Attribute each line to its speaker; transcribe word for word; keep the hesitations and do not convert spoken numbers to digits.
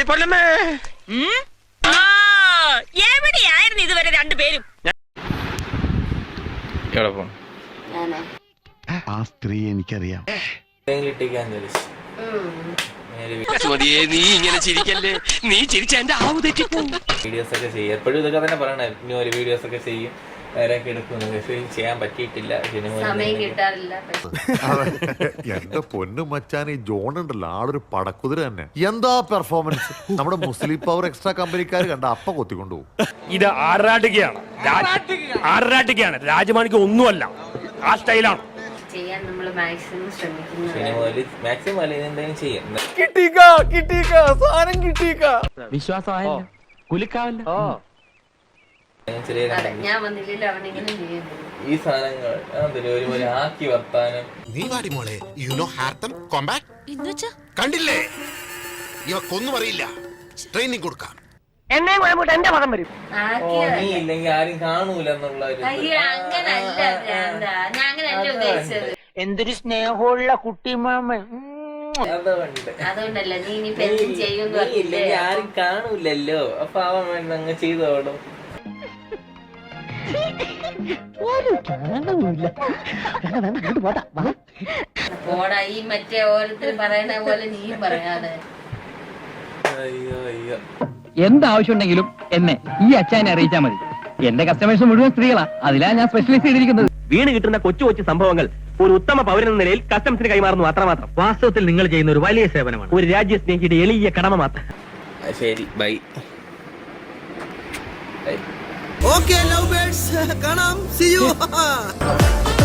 Speaker 1: എവിടെയായിരുന്നു ഇതുവരെ രണ്ടുപേരും?
Speaker 2: ആ സ്ത്രീ എനിക്കറിയാം.
Speaker 3: നീ ഇങ്ങനെ ചിരിക്കല്ലേ, നീ ചിരിച്ച എന്റെ ആവ് തെറ്റിപ്പോകും.
Speaker 4: വീഡിയോസ് ഒക്കെ ചെയ്യും, എപ്പോഴും ഇതൊക്കെ തന്നെ പറയണേ. ഇനി ഒരു വീഡിയോസ് ഒക്കെ ചെയ്യും, നേരൊക്കെ എടുക്കുന്നു. പക്ഷേ ചെയ്യാൻ പറ്റിയിട്ടില്ല,
Speaker 1: സമയം കിട്ടാറില്ല.
Speaker 5: എന്റെ പൊന്നു മച്ചാൻ, ഈ ജോൺ ഉണ്ടല്ലോ, ആളൊരു പടക്കുതിര തന്നെ. എന്താ പെർഫോമൻസ്! നമ്മുടെ മുസ്ലിം പവർ എക്സ്ട്രാ കമ്പനിക്കാർ കണ്ട അപ്പ കൊത്തിക്കൊണ്ടുപോകും.
Speaker 6: ഇത് ആറാട്ടുകയാണ്, ആറാട്ടുകയാണ്. രാജമാണിക്ക് ഒന്നുമല്ല, ആ സ്റ്റൈലാണ്
Speaker 1: ചെയ്യാൻ നമ്മൾ മാക്സിമം ശ്രമിക്കുന്നു.
Speaker 3: വിശ്വാസമായല്ലോ, കുലുക്കാവല്ലോ.
Speaker 1: ഞാൻ വന്നില്ലല്ലോ, അവനെങ്ങനെ ചെയ്യുന്നു
Speaker 4: ഈ സാധനങ്ങൾ ഒരുപോലെ ആക്കി വർത്താനം.
Speaker 7: നീ വാടി മോളെ, യു നോ ഹാർട്ടം കോംബാറ്റ് കണ്ടില്ലേ? ഇവക്കൊന്നും അറിയില്ല, ട്രെയിനിങ് കൊടുക്കാം.
Speaker 1: എന്നെ എന്റെ പദം വരും.
Speaker 4: നീ ഇല്ലെങ്കിൽ ആരും കാണൂല എന്നുള്ള
Speaker 1: എന്തൊരു സ്നേഹമുള്ള കുട്ടിമാമൻ. അതുകൊണ്ടല്ല നീ ഇനിയിപ്പോ എന്തും ചെയ്യുന്നു,
Speaker 4: ആരും കാണൂലല്ലോ, അപ്പൊ അവൻ വേണ്ട അങ്ങ് ചെയ്തോളും.
Speaker 1: പോടാ, ഈ മറ്റേ ഓരോരുത്തർ പറയണ പോലെ നീയും പറയാതെ.
Speaker 4: അയ്യോ അയ്യോ,
Speaker 8: എന്താവശ്യം ഉണ്ടെങ്കിലും എന്നെ ഈ അച്ചായനെ അറിയിച്ചാൽ മതി. എന്റെ കസ്റ്റമേഴ്സ് മുഴുവൻ സ്ത്രീകളാ, അതിലാ ഞാൻ സ്പെഷ്യലൈസ് ചെയ്തിരിക്കുന്നത്.
Speaker 3: വീണ് കിട്ടുന്ന കൊച്ചു കൊച്ചു സംഭവങ്ങൾ ഒരു ഉത്തമ പൗരനെന്ന നിലയിൽ കസ്റ്റംസിന് കൈമാറുന്നു, അത്രമാത്രം. വാസ്തവത്തിൽ നിങ്ങൾ ചെയ്യുന്ന ഒരു വലിയ സേവനമാണ്, ഒരു രാജ്യ സ്നേഹിയുടെ എളിയ കടമ മാത്രം.
Speaker 4: ശരി, ബൈ.
Speaker 9: ഓക്കേ ലവ് ബേർഡ്സ്, കാണാം, സീ യു.